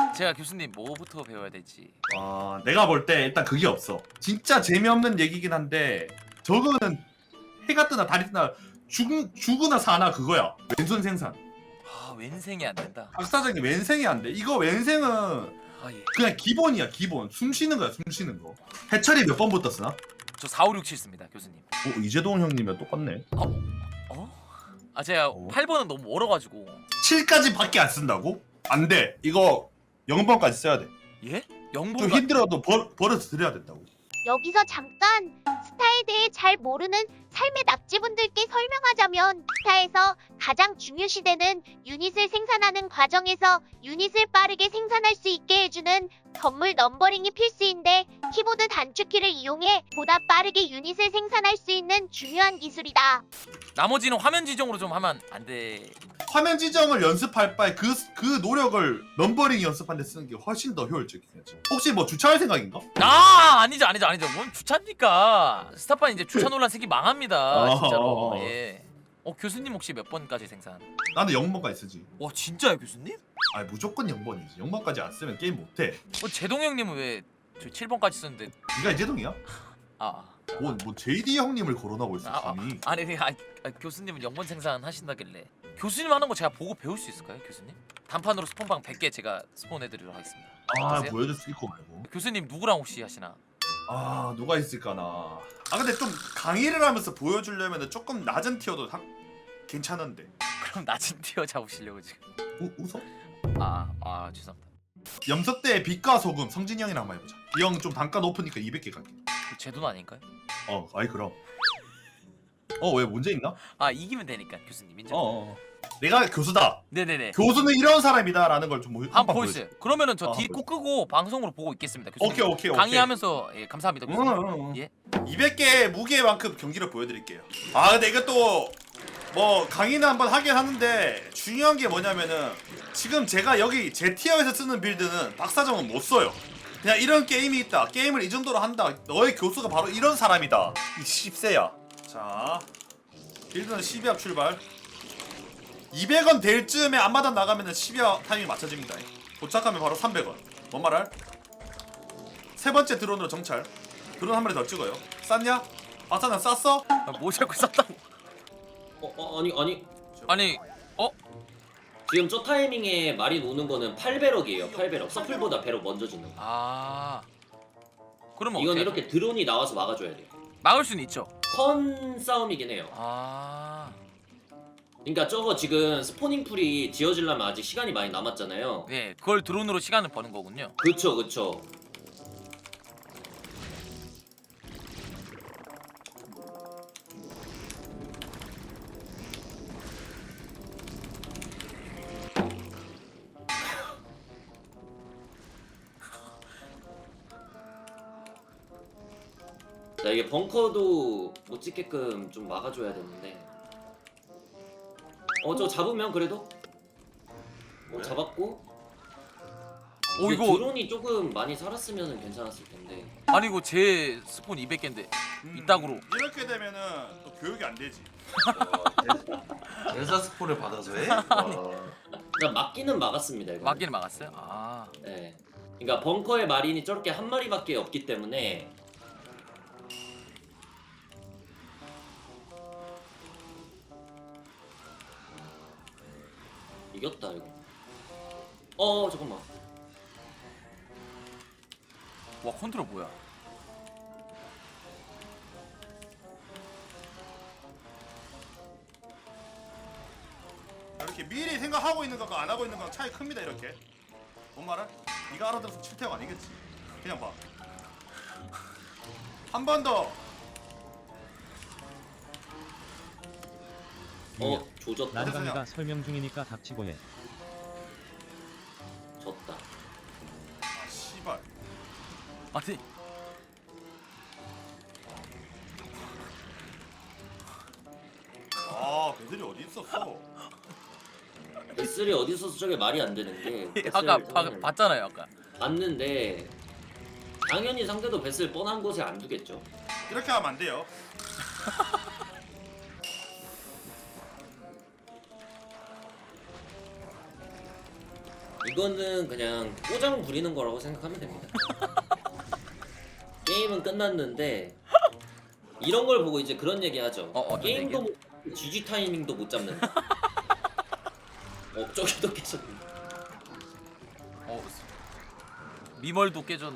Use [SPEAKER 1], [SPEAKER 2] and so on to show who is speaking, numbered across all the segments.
[SPEAKER 1] 제가 교수님 뭐부터 배워야 될지.
[SPEAKER 2] 내가 볼 때 일단 그게 없어. 진짜 재미없는 얘기긴 한데 저거는 해가 뜨나 달이 뜨나 죽으나 사나 그거야. 왼손 생산.
[SPEAKER 1] 아 왼생이 안 된다.
[SPEAKER 2] 박사장님 왼생이 안 돼. 이거 왼생은
[SPEAKER 1] 아 예.
[SPEAKER 2] 그냥 기본이야 기본. 숨 쉬는 거야 숨 쉬는 거. 해철이 몇 번부터 쓰나?
[SPEAKER 1] 저 4, 5, 6, 7 씁니다 교수님.
[SPEAKER 2] 이재동 형님이랑 똑같네.
[SPEAKER 1] 아 제가 8번은 너무 멀어가지고.
[SPEAKER 2] 7까지 밖에 안 쓴다고? 안 돼. 이거 0번까지 써야 돼.
[SPEAKER 1] 예?
[SPEAKER 2] 좀
[SPEAKER 1] 0번가.
[SPEAKER 2] 힘들어도 버려서 드려야 된다고.
[SPEAKER 3] 여기서 잠깐 스타에 대해 잘 모르는 삶의 낙지분들께 설명하자면 스타에서 가장 중요시되는 유닛을 생산하는 과정에서 유닛을 빠르게 생산할 수 있게 해주는 건물 넘버링이 필수인데 키보드 단축키를 이용해 보다 빠르게 유닛을 생산할 수 있는 중요한 기술이다.
[SPEAKER 1] 나머지는 화면 지정으로 좀 하면 안 돼.
[SPEAKER 2] 화면 지정을 연습할 바에 그 노력을 넘버링 연습하는 데 쓰는 게 훨씬 더 효율적이겠지. 혹시 뭐 주차할 생각인가?
[SPEAKER 1] 아니죠. 뭔 주차입니까? 스타판 이제 주차 논란 생기 망합니다. 진짜로. 예. 교수님 혹시 몇 번까지 생산?
[SPEAKER 2] 나는 0번까지 쓰지.
[SPEAKER 1] 와 진짜요 교수님?
[SPEAKER 2] 아니 무조건 0번이지. 0번까지 안 쓰면 게임 못해.
[SPEAKER 1] 제동 형님은 왜 저 7번까지 쓰는데?
[SPEAKER 2] 네가 이재동이야?
[SPEAKER 1] 아.
[SPEAKER 2] 뭐 JD 형님을 거론하고 있어
[SPEAKER 1] 아,
[SPEAKER 2] 감히.
[SPEAKER 1] 아니 교수님은 0번 생산 하신다길래 교수님 하는 거 제가 보고 배울 수 있을까요 교수님? 단판으로 스폰방 100개 제가 스폰해드리도록 하겠습니다. 어떠세요?
[SPEAKER 2] 보여줄 수 있고 말고.
[SPEAKER 1] 교수님 누구랑 혹시 하시나?
[SPEAKER 2] 누가 있을까나. 근데 좀 강의를 하면서 보여주려면 조금 낮은 티어도 괜찮은데.
[SPEAKER 1] 그럼 낮은 티어 잡으시려고 지금.
[SPEAKER 2] 웃어?
[SPEAKER 1] 죄송합니다.
[SPEAKER 2] 염석대의 빛과 소금 성진이 형이랑 한번 해보자. 이 형 좀 단가 높으니까 200개 갈게.
[SPEAKER 1] 제 돈 아닌가요?
[SPEAKER 2] 아이 그럼. 왜 문제 있나?
[SPEAKER 1] 이기면 되니까 교수님 인정.
[SPEAKER 2] 내가 교수다.
[SPEAKER 1] 네네네.
[SPEAKER 2] 교수는 이런 사람이다라는 걸 좀
[SPEAKER 1] 한번 보여주세요. 그러면은 저
[SPEAKER 2] 한번
[SPEAKER 1] 디코 끄고 방송으로 보고 있겠습니다. 교수님.
[SPEAKER 2] 오케이.
[SPEAKER 1] 강의하면서 예, 감사합니다. 교수님. 예.
[SPEAKER 2] 200개 무게만큼 경기를 보여드릴게요. 근데 이것도 뭐 강의는 한번 하긴 하는데 중요한 게 뭐냐면은 지금 제가 여기 제 티어에서 쓰는 빌드는 박사정은 못 써요. 그냥 이런 게임이 있다. 게임을 이 정도로 한다. 너의 교수가 바로 이런 사람이다. 이 10세야. 자, 빌드는 12합 출발. 200원 될 즈음에 앞마당 나가면은 12합 타이밍 맞춰집니다. 도착하면 바로 300원. 뭔 말할? 세 번째 드론으로 정찰. 드론 한 마리 더 찍어요. 쌌냐? 박사는 쌌어?
[SPEAKER 1] 뭐 자꾸 쌌다고? 아니
[SPEAKER 4] 지금 저 타이밍에 마린 오는 거는 8배럭이에요. 8배럭. 서플보다 배럭 먼저 주는 거.
[SPEAKER 1] 그러면
[SPEAKER 4] 이건
[SPEAKER 1] 어떻게
[SPEAKER 4] 이렇게 드론이 나와서 막아줘야 돼요.
[SPEAKER 1] 막을 수는 있죠.
[SPEAKER 4] 컨 싸움이긴 해요. 그러니까 저거 지금 스포닝 풀이 지어지려면 아직 시간이 많이 남았잖아요.
[SPEAKER 1] 네, 그걸 드론으로 시간을 버는 거군요.
[SPEAKER 4] 그쵸. 자, 이게 벙커도 못 찍게끔 좀 막아줘야 되는데. 저 잡으면 그래도? 잡았고. 근데
[SPEAKER 1] 이거
[SPEAKER 4] 드론이 조금 많이 살았으면 괜찮았을 텐데.
[SPEAKER 1] 아니 이거 제 스폰 200개인데 이따구로.
[SPEAKER 2] 이렇게 되면은 또 교육이 안 되지.
[SPEAKER 5] 연사 스포를 받아서 해?
[SPEAKER 4] 그냥 막기는 막았습니다. 이거.
[SPEAKER 1] 막기는 막았어요?
[SPEAKER 4] 네. 그러니까 벙커에 마린이 저렇게 한 마리밖에 없기 때문에. 이겼다 이거. 잠깐만.
[SPEAKER 1] 와 컨트롤 뭐야?
[SPEAKER 2] 이렇게 미리 생각하고 있는 거랑 안 하고 있는 거랑 차이 큽니다. 이렇게. 뭔 말을? 네가 알아들어서 칠태가 아니겠지. 그냥 봐. 한 번 더.
[SPEAKER 4] 조졌다.
[SPEAKER 6] 나르강이가 설명 중이니까 닥치고 해.
[SPEAKER 4] 졌다.
[SPEAKER 2] 씨발.
[SPEAKER 1] 아니
[SPEAKER 2] 배들이 어디 있었어?
[SPEAKER 4] S3 어디 있어서 저게 말이 안 되는 게.
[SPEAKER 1] 아까
[SPEAKER 4] 베슬을
[SPEAKER 1] 봤잖아요 아까.
[SPEAKER 4] 봤는데 당연히 상대도 베슬 뻔한 곳에 안 두겠죠.
[SPEAKER 2] 이렇게 하면 안 돼요.
[SPEAKER 4] 이거는 그냥 꼬장 부리는 거라고 생각하면 됩니다. 게임은 끝났는데 이런 걸 보고 이제 그런 얘기 하죠.
[SPEAKER 1] 어떤
[SPEAKER 4] 게임도 GG 타이밍도 못 잡는. 저기도 계속.
[SPEAKER 1] 미멀도 깨졌.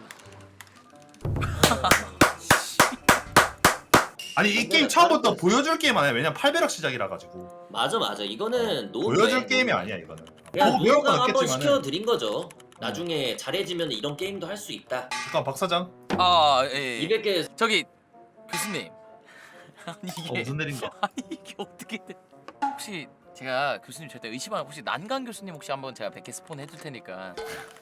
[SPEAKER 2] 아니 이 게임 처음부터 보여줄 게임 아니야. 왜냐면 8배럭 시작이라 가지고
[SPEAKER 4] 맞아. 이거는
[SPEAKER 2] 보여줄 게임이 아니야 이거는.
[SPEAKER 4] 그냥
[SPEAKER 2] 배울 건
[SPEAKER 4] 노가다 한번
[SPEAKER 2] 없겠지만은.
[SPEAKER 4] 시켜드린 거죠. 나중에 잘해지면 이런 게임도 할 수 있다.
[SPEAKER 2] 잠깐 박 사장.
[SPEAKER 1] 예.
[SPEAKER 4] 200개
[SPEAKER 1] 저기 교수님. 아니 이게
[SPEAKER 2] 무슨 일인가?
[SPEAKER 1] 아니 이게 어떻게 돼? 혹시 제가 교수님 절대 의심 안 하고 혹시 난강 교수님 혹시 한번 제가 100개 스폰 해줄 테니까.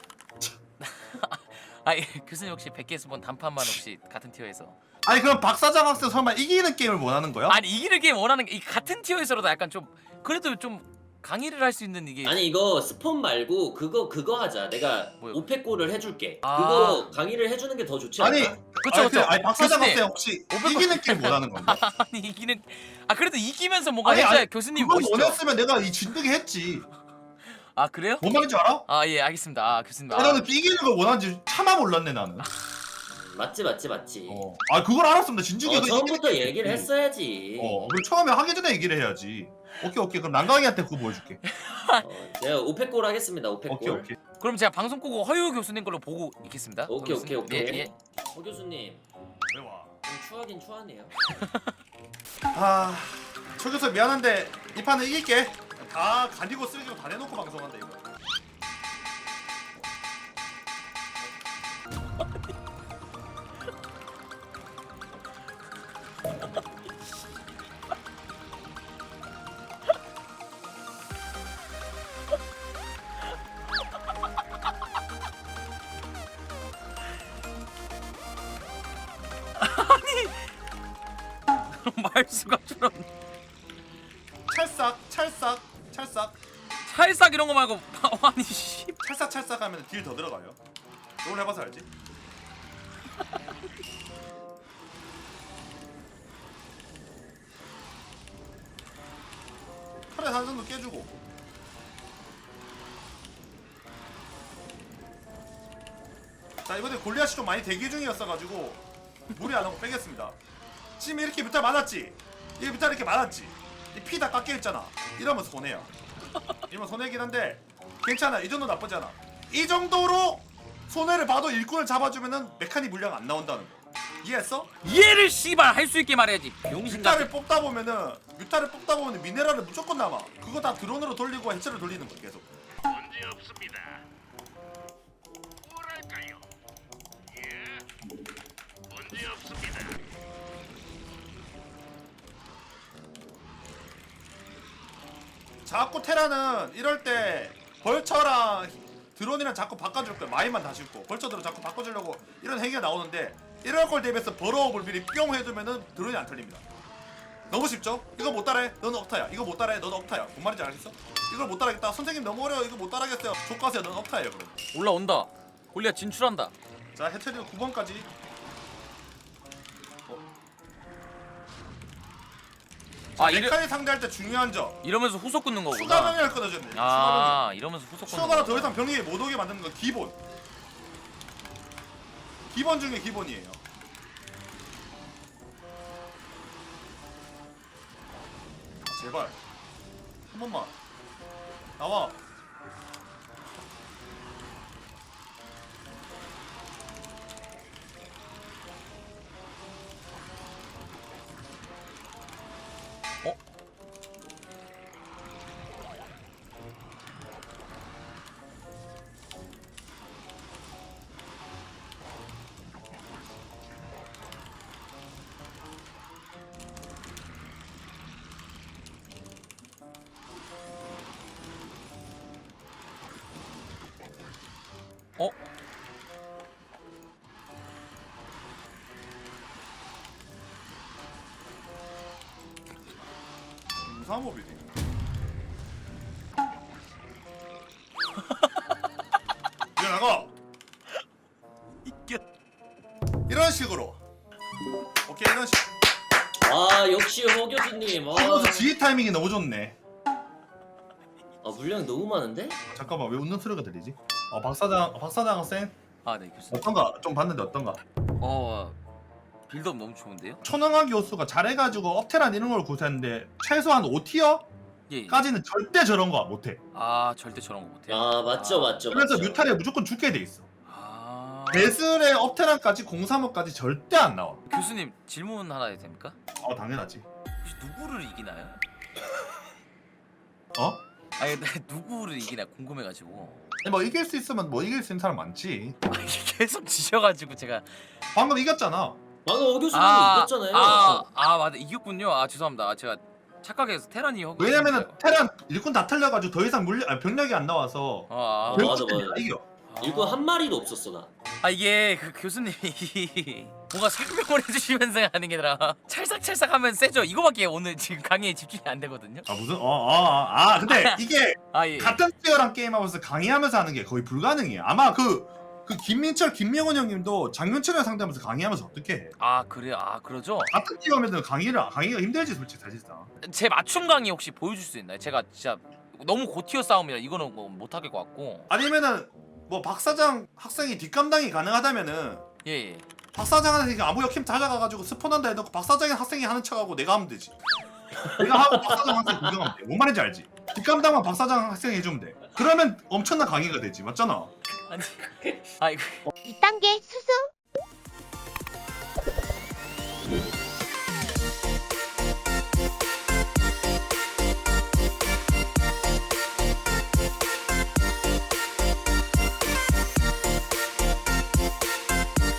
[SPEAKER 1] 아니 교수님 혹시 100개 스폰 단판만 혹시 같은 티어에서.
[SPEAKER 2] 아니 그럼 박 사장 학생 설마 이기는 게임을 원하는 거야?
[SPEAKER 1] 아니 이기는 게임 원하는 게 이 같은 티어에서라도 약간 좀 그래도 좀 강의를 할 수 있는 이게.
[SPEAKER 4] 아니 이거 스폰 말고 그거 하자. 내가
[SPEAKER 1] 뭐요?
[SPEAKER 4] 500골을 해줄게.
[SPEAKER 1] 아.
[SPEAKER 4] 그거 강의를 해주는 게 더 좋지 않나?
[SPEAKER 2] 아니
[SPEAKER 1] 그쵸.
[SPEAKER 2] 아니 박 사장
[SPEAKER 1] 교수님.
[SPEAKER 2] 학생 혹시
[SPEAKER 1] 500
[SPEAKER 2] 이기는 게임 원하는 건가?
[SPEAKER 1] 아니 이기는 그래도 이기면서 뭔가
[SPEAKER 2] 아니,
[SPEAKER 1] 해줘야
[SPEAKER 2] 아니,
[SPEAKER 1] 교수님
[SPEAKER 2] 그걸
[SPEAKER 1] 멋있죠.
[SPEAKER 2] 원했으면 내가 이 진득이 했지.
[SPEAKER 1] 아 그래요?
[SPEAKER 2] 뭔 말인지 알아?
[SPEAKER 1] 아 예 알겠습니다. 교수님.
[SPEAKER 2] 나는 이기는 걸 원하는지 차마 몰랐네 나는.
[SPEAKER 4] 맞지.
[SPEAKER 2] 아 그걸 알았으면 나 진즉에 그
[SPEAKER 4] 처음부터
[SPEAKER 2] 이기는
[SPEAKER 4] 얘기를
[SPEAKER 2] 게임.
[SPEAKER 4] 했어야지.
[SPEAKER 2] 그럼 처음에 하기 전에 얘기를 해야지. 오케이 그럼 난강이한테 그거 보여줄게.
[SPEAKER 4] 제가 500골 하겠습니다. 500골.
[SPEAKER 2] 오케이.
[SPEAKER 1] 그럼 제가 방송 끄고 허유 교수님 걸로 보고 있겠습니다.
[SPEAKER 4] 오케이.
[SPEAKER 1] 교수님. 예.
[SPEAKER 4] 허 교수님
[SPEAKER 2] 왜 와?
[SPEAKER 4] 좀 추하긴 추하네요.
[SPEAKER 2] 초 교수 미안한데 이 판은 이길게. 다 가리고 쓰레기로 다 내놓고 방송한다 이거.
[SPEAKER 1] 말수가 줄었.
[SPEAKER 2] 찰싹.
[SPEAKER 1] 찰싹 이런 거 말고 아니 씨.
[SPEAKER 2] 찰싹 하면 딜 더 들어가요. 롤 해봐서 알지? 털에 한 정도 깨주고. 자 이번에 골리앗이 좀 많이 대기 중이었어가지고 무리 안 하고 빼겠습니다. 지금 이렇게 뮤탈 많았지? 이 뮤탈 이렇게 많았지? 이 피 다 깎여있잖아. 이러면 손해야. 이러면 손해긴 한데 괜찮아. 이 정도 나쁘지 않아. 이 정도로 손해를 봐도 일꾼을 잡아주면은 메카닉 물량 안 나온다는 거. 이해했어?
[SPEAKER 1] 이해를 씨발 할 수 있게 말해야지. 병신 같은.
[SPEAKER 2] 뮤탈을 뽑다 보면 미네랄을 무조건 남아. 그거 다 드론으로 돌리고 해체를 돌리는 거 계속.
[SPEAKER 5] 문제 없습니다. 뭐랄까요? 예, 문제 없습니다.
[SPEAKER 2] 자꾸 테라는 이럴 때 벌처랑 드론이랑 자꾸 바꿔줄 거야. 마인만 다 싣고 벌처들은 자꾸 바꿔주려고 이런 행위가 나오는데 이럴 걸 대비해서 버러업을 미리 뿅 해두면은 드론이 안 털립니다. 너무 쉽죠? 이거 못 따라해. 너는 억타야. 이거 못 따라해. 너는 억타야. 뭔 말인지 알겠어? 이걸 못 따라하겠다. 선생님 너무 어려워. 이거 못 따라하겠어요. 족가세요. 너는 억타예요. 그럼.
[SPEAKER 1] 올라온다. 골리앗 진출한다.
[SPEAKER 2] 자 해처리는 9번까지. 메카닉 상대할 때 중요한 점.
[SPEAKER 1] 이러면서 후속 끊는 거구나.
[SPEAKER 2] 추가 병력을 끊어줬네. 추가 병력.
[SPEAKER 1] 아 이러면서 후속 끊는
[SPEAKER 2] 추가가
[SPEAKER 1] 거.
[SPEAKER 2] 더 이상 병력이 못 오게 만드는 건 기본. 기본 중에 기본이에요. 제발 한 번만 나와.
[SPEAKER 1] 어? 어?
[SPEAKER 2] 무사한 법이네. 이거 나가.
[SPEAKER 1] 이겨.
[SPEAKER 2] 이런 식으로. 오케이 이런 식.
[SPEAKER 4] 와 역시 허 교수님.
[SPEAKER 2] 이거서 지휘 타이밍이 너무 좋네.
[SPEAKER 4] 물량이 너무 많은데?
[SPEAKER 2] 잠깐만 왜 웃는 소리가 들리지? 박사장 학생
[SPEAKER 1] 아 네 교수님.
[SPEAKER 2] 어떤가? 좀 봤는데 어떤가?
[SPEAKER 1] 빌드업 너무 좋은데요?
[SPEAKER 2] 초능한 교수가 잘해가지고 업테란 이런 걸 구사했는데 최소한 5티어까지는
[SPEAKER 1] 예.
[SPEAKER 2] 절대 저런 거 못해.
[SPEAKER 1] 아 절대 저런 거 못해요.
[SPEAKER 4] 아 맞죠
[SPEAKER 1] 아.
[SPEAKER 4] 맞죠.
[SPEAKER 2] 그래서
[SPEAKER 4] 맞죠.
[SPEAKER 2] 뮤탈에 무조건 죽게 돼 있어.
[SPEAKER 1] 아.
[SPEAKER 2] 베슬의 업테란까지 035까지 절대 안 나와.
[SPEAKER 1] 교수님 질문 하나 해도 됩니까?
[SPEAKER 2] 당연하지.
[SPEAKER 1] 혹시 누구를 이기나요?
[SPEAKER 2] 어?
[SPEAKER 1] 아니 근데 누구를 이기나 궁금해가지고.
[SPEAKER 2] 뭐 이길 수 있으면 뭐 이길 수 있는 사람 많지.
[SPEAKER 1] 아니, 계속 지셔가지고 제가.
[SPEAKER 2] 방금 이겼잖아.
[SPEAKER 4] 방금 어 교수님이 이겼잖아요.
[SPEAKER 1] 맞아 이겼군요. 아 죄송합니다. 아, 제가 착각해서 테란이 하고.
[SPEAKER 2] 왜냐면은 테란 일꾼 다 털려가지고 더 이상 병력이 안 나와서
[SPEAKER 1] 아,
[SPEAKER 4] 맞아,
[SPEAKER 2] 결국
[SPEAKER 4] 맞아.
[SPEAKER 2] 이겨.
[SPEAKER 4] 일꾼 한 마리도 없었어 나.
[SPEAKER 1] 이게 그 교수님이 뭔가 설명을 해주시면서 하는 게 아니라 찰싹찰싹하면 세죠. 이거밖에 오늘 지금 강의에 집중이 안 되거든요.
[SPEAKER 2] 무슨 근데 이게
[SPEAKER 1] 예.
[SPEAKER 2] 같은 티어랑 게임하면서 강의하면서 하는 게 거의 불가능해. 아마 그 김민철, 김명훈 형님도 장윤철이랑 상대하면서 강의하면서 어떻게 해?
[SPEAKER 1] 그래요. 그러죠.
[SPEAKER 2] 같은 티어면 강의가 힘들지 솔직히 사실상.
[SPEAKER 1] 제 맞춤 강의 혹시 보여줄 수 있나요? 제가 진짜 너무 고티어 싸움이라 이거는 뭐 못하겠 것 같고.
[SPEAKER 2] 아니면은 뭐 박사장 학생이 뒷감당이 가능하다면은
[SPEAKER 1] 예.
[SPEAKER 2] 박사장한테 아무 역힘 찾아가가지고 스폰한다 해놓고 박사장의 학생이 하는 척하고 내가 하면 되지. 내가 하고 박사장 학생 구경하면 돼. 뭔 말인지 알지? 뒷감당만 박사장 학생이 해주면 돼. 그러면 엄청난 강의가 되지, 맞잖아.
[SPEAKER 1] 아니.
[SPEAKER 3] 2단계 수수